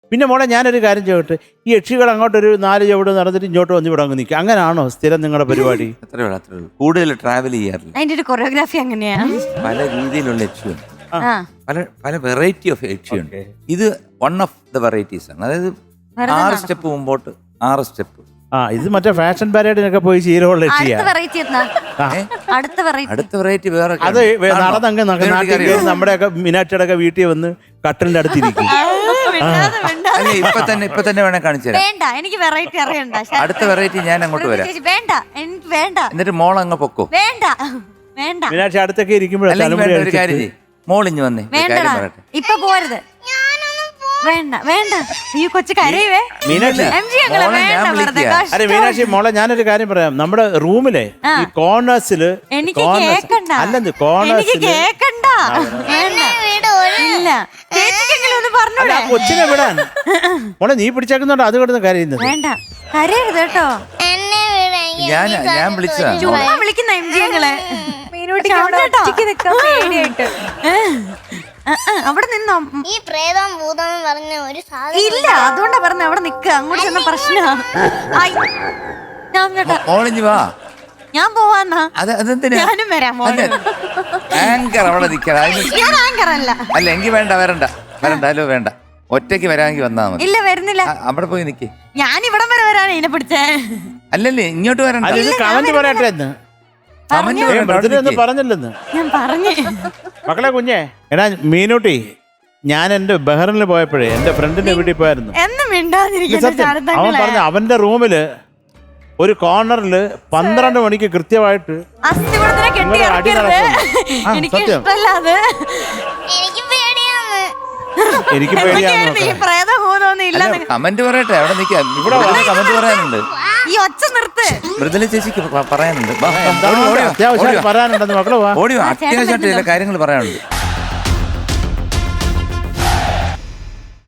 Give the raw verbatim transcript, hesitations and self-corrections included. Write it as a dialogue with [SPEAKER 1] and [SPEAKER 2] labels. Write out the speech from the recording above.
[SPEAKER 1] പിന്നെ മോളെ ഞാനൊരു കാര്യം ചോദിട്ടെ, ഈ യക്ഷികൾ അങ്ങോട്ടൊരു നാല് ചുവട് നടന്നിട്ട് ഇങ്ങോട്ട് വന്ന് ഇവിടെ അങ്ങ് നിൽക്കുക, അങ്ങനെയാണോ സ്ഥിരം നിങ്ങളുടെ പരിപാടി?
[SPEAKER 2] അത്രേ ഉള്ളൂ, അത്രേ ഉള്ളൂ. കൂടുതൽ ട്രാവൽ ചെയ്യാറില്ല.
[SPEAKER 3] അതിന്റെ ഒരു കൊറിയോഗ്രാഫി എങ്ങനെയാ?
[SPEAKER 2] പല രീതിയിലുള്ള യക്ഷിയുണ്ട്, പല പല വെറൈറ്റി ഓഫ് യക്ഷിയുണ്ട്. ഇത് വൺ ഓഫ് ദ വെറൈറ്റീസ് ആണ്. അതായത് ആറ് സ്റ്റെപ്പ് മുമ്പോട്ട്, ആറ് സ്റ്റെപ്പ്.
[SPEAKER 1] ആ ഇത് മറ്റേ ഫാഷൻ പരേഡിനൊക്കെ പോയി ചീരമുള്ള യക്ഷിയാ.
[SPEAKER 3] അടുത്ത വെറൈറ്റി
[SPEAKER 2] അടുത്ത വെറൈറ്റി വേറെ
[SPEAKER 1] അത് നടന്നങ്ങ് നാട്ടിൽ നമ്മുടെയൊക്കെ മീനാക്ഷിയുടെ ഒക്കെ വീട്ടിൽ വന്ന് കട്ടലിന്റെ അടുത്തിരിക്കും.
[SPEAKER 2] അല്ല ഇപ്പൊ തന്നെ ഇപ്പൊ തന്നെ വേണേ കാണിച്ചു തരാം.
[SPEAKER 3] വേണ്ട, എനിക്ക് വെറൈറ്റി അറിയണ്ട.
[SPEAKER 2] അടുത്ത വെറൈറ്റി ഞാൻ അങ്ങോട്ട് വരാം.
[SPEAKER 3] വേണ്ട, എനിക്ക് വേണ്ട.
[SPEAKER 2] എന്നിട്ട് മോൾ അങ്ങ് പൊക്കോ.
[SPEAKER 3] വേണ്ട വേണ്ട,
[SPEAKER 1] മീനാക്ഷി അടുത്തൊക്കെ ഇരിക്കുമ്പോഴേ
[SPEAKER 2] ഒരു കാര്യം ചെയ്യ്, മോളിഞ്ഞ് വന്നേ.
[SPEAKER 3] ഇപ്പൊ പോരുത്. വേണ്ട വേണ്ട, ഈ കൊച്ചു കരയുവേ.
[SPEAKER 1] മീനാക്ഷി അരെ മീനാക്ഷി മോളെ ഞാനൊരു കാര്യം പറയാം. നമ്മുടെ റൂമിലെ ഈ കോർണേഴ്സില്
[SPEAKER 3] എനിക്ക് കേക്കണ്ട,
[SPEAKER 1] അല്ലെന്ന് കോർണേഴ്സില്
[SPEAKER 3] കേക്കണ്ട. ഇല്ല,
[SPEAKER 1] അല്ല കൊച്ചിനെ വിടാൻ മോളെ നീ പിടിച്ചേക്കുന്നുണ്ടോ അത് കിടന്ന് കരയുന്നത്?
[SPEAKER 3] വേണ്ട, കരയരുത് കേട്ടോ.
[SPEAKER 2] ഞാൻ ഞാൻ വിളിച്ചതാ.
[SPEAKER 3] ചുമ്മാ വിളിക്കുന്ന എം ജി ഞങ്ങളെ. അവിടെ നിന്നോ.
[SPEAKER 4] ഈ പ്രേതം ഭൂതം പറഞ്ഞ ഒരു സാധനം
[SPEAKER 3] ഇല്ല, അതുകൊണ്ടാ പറഞ്ഞ അവിടെ നിക്ക. അങ്ങോട്ട് ചെന്ന പ്രശ്നാ.
[SPEAKER 2] മോളിഞ്ഞ് വാ.
[SPEAKER 3] ഞാൻ പോവാന്നാ.
[SPEAKER 2] ഞാനും
[SPEAKER 3] വരാം.
[SPEAKER 2] ആങ്കർ അവിടെ നിൽക്കണം.
[SPEAKER 3] ഞാൻ ആങ്കർ അല്ല.
[SPEAKER 2] അല്ല എങ്കിൽ വേണ്ട, വരണ്ട വരണ്ട. അല്ലോ വേണ്ട, ഒറ്റയ്ക്ക് വരാമെങ്കിൽ വന്നാ മതി.
[SPEAKER 3] ഇല്ല, വരുന്നില്ല.
[SPEAKER 2] അവിടെ പോയി നിക്ക്.
[SPEAKER 3] ഞാൻ ഇവിടം വരെ വരാനാ ഇതിനെ പിടിച്ചേ.
[SPEAKER 2] അല്ലല്ലേ ഇങ്ങോട്ട് വരണ്ട.
[SPEAKER 1] കമന്റ് പറയട്ടെ പറഞ്ഞില്ലെന്ന്
[SPEAKER 3] ഞാൻ പറഞ്ഞു.
[SPEAKER 1] മക്കളെ കുഞ്ഞെ എടാ മീനൂട്ടി, ഞാൻ എന്റെ ബഹ്റിനിൽ പോയപ്പോഴേ എന്റെ ഫ്രണ്ടിന്റെ വീട്ടിൽ പോയായിരുന്നു. അവൻ പറഞ്ഞ അവന്റെ റൂമില് ഒരു കോർണറില് പന്ത്രണ്ട് മണിക്ക് കൃത്യമായിട്ട് എനിക്ക്
[SPEAKER 2] കമന്റ് പറയട്ടെ, അവിടെ നിൽക്കാം. ഇവിടെ കമന്റ് പറയാനുണ്ട്.
[SPEAKER 3] ഈ ഒച്ച നിർത്ത്.
[SPEAKER 2] മൃദുല ചേച്ചിക്ക് പറയാനുണ്ട്.
[SPEAKER 1] അത്യാവശ്യം പറയാനുണ്ടെന്ന് മക്കളെ.
[SPEAKER 2] ഓടിയോ, അത്യാവശ്യമായിട്ട് ചില കാര്യങ്ങൾ പറയാനുണ്ട്.